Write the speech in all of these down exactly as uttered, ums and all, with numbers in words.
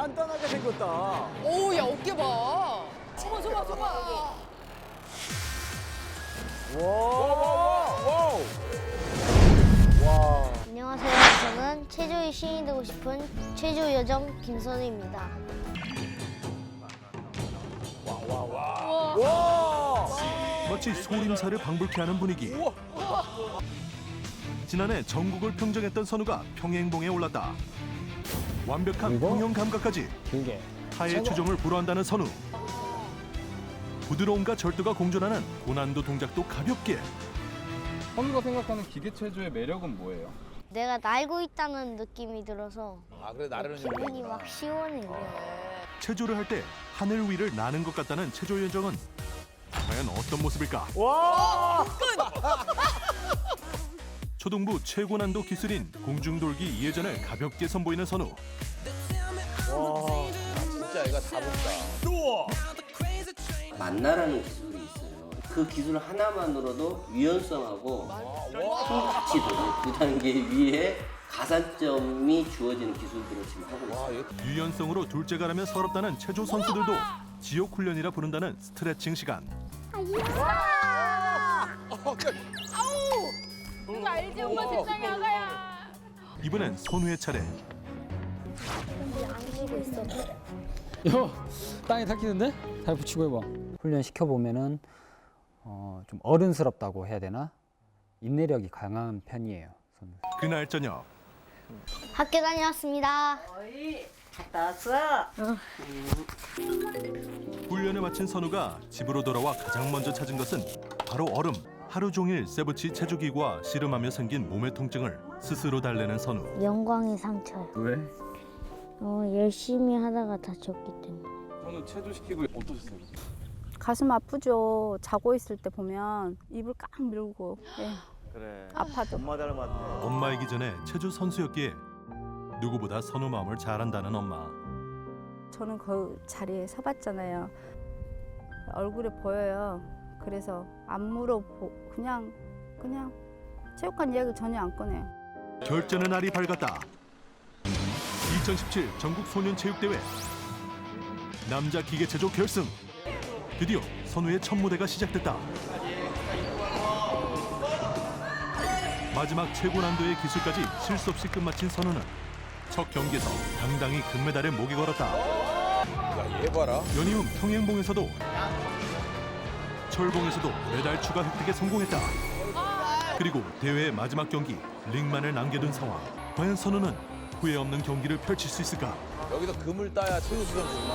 단단하게 생겼다. 오, 야, 어깨 봐. 저봐, 저봐, 저봐. 와. 와. 와. 안녕하세요. 저는 체조의 신이 되고 싶은 체조 여정 김선우입니다. 와. 마치 소림사를 방불케 하는 분위기. 지난해 전국을 평정했던 선우가 평행봉에 올랐다. 완벽한 평형 감각까지 길게. 타의 추종을 불허한다는 선우. 부드러움과 절도가 공존하는 고난도 동작도 가볍게. 선우가 생각하는 기계체조의 매력은 뭐예요? 내가 날고 있다는 느낌이 들어서 아 그래 나르는 기분이 막 시원해요. 체조를 할 때 하늘 위를 나는 것 같다는 체조 여정은 과연 어떤 모습일까? 와. 초등부 최고 난도 기술인 공중돌기 이 회전을 가볍게 선보이는 선우. 와. 진짜 얘가 다 본다. 만나라는 기술이 있어요. 그 기술 하나만으로도 유연성하고 힘 같이 도는 그 단계 위에 가산점이 주어지는 기술들을 지금 하고 있어요. 유연성으로 둘째가라면 서럽다는 체조 선수들도 지옥 훈련이라 부른다는 스트레칭 시간. 이거 알지? 엄마 세상에 아가야. 이번엔 선우의 차례. 안 쉬고 있어. 야, 땅에 닦이는데? 잘 붙이고 해봐. 훈련 시켜보면은 어, 좀 어른스럽다고 해야 되나? 인내력이 강한 편이에요. 저는. 그날 저녁 학교 다녀왔습니다. 갔다 왔어. 훈련을 마친 선우가 집으로 돌아와 가장 먼저 찾은 것은 바로 얼음. 하루 종일 세부치 체조기구와 씨름하며 생긴 몸의 통증을 스스로 달래는 선우. 영광의 상처요. 왜? 어, 열심히 하다가 다쳤기 때문에. 선우 체조시키고 어떠셨어요? 가슴 아프죠. 자고 있을 때 보면 입을 꽉 밀고. 예. 그래. 아파도. 엄마 닮았네. 엄마이기 전에 체조 선수였기에 누구보다 선우 마음을 잘 안다는 엄마. 저는 그 자리에 서봤잖아요. 얼굴에 보여요. 그래서 안 물어보 그냥 그냥 체육관 이야기 전혀 안 꺼내요. 결전의 날이 밝았다. 이천십칠 전국 소년체육대회 남자 기계체조 결승. 드디어 선우의 첫 무대가 시작됐다. 마지막 최고 난도의 기술까지 실수 없이 끝마친 선우는 첫 경기에서 당당히 금메달에 목이 걸었다. 야얘 봐라. 연이은 평행봉에서도 철봉에서도 메달 추가 획득에 성공했다. 그리고 대회의 마지막 경기 링만을 남겨둔 상황. 과연 선우는 후회 없는 경기를 펼칠 수 있을까? 여기서 금을 따야 최우수 선수구나.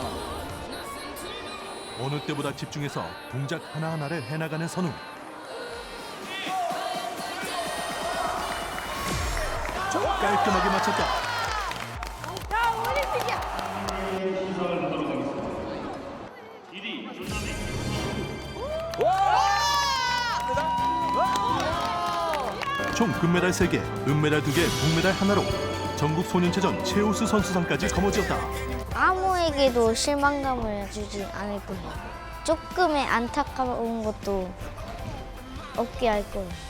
어느 때보다 집중해서 동작 하나하나를 해나가는 선우. 깔끔하게 맞췄다. 야, 올림픽이야. 총 금메달 세 개, 은메달 두 개, 동메달 하나로 전국 소년체전 최우수 선수상까지 거머쥐었다. 아무에게도 실망감을 주지 않을 거예요. 조금의 안타까운 것도 없게 할 거예요.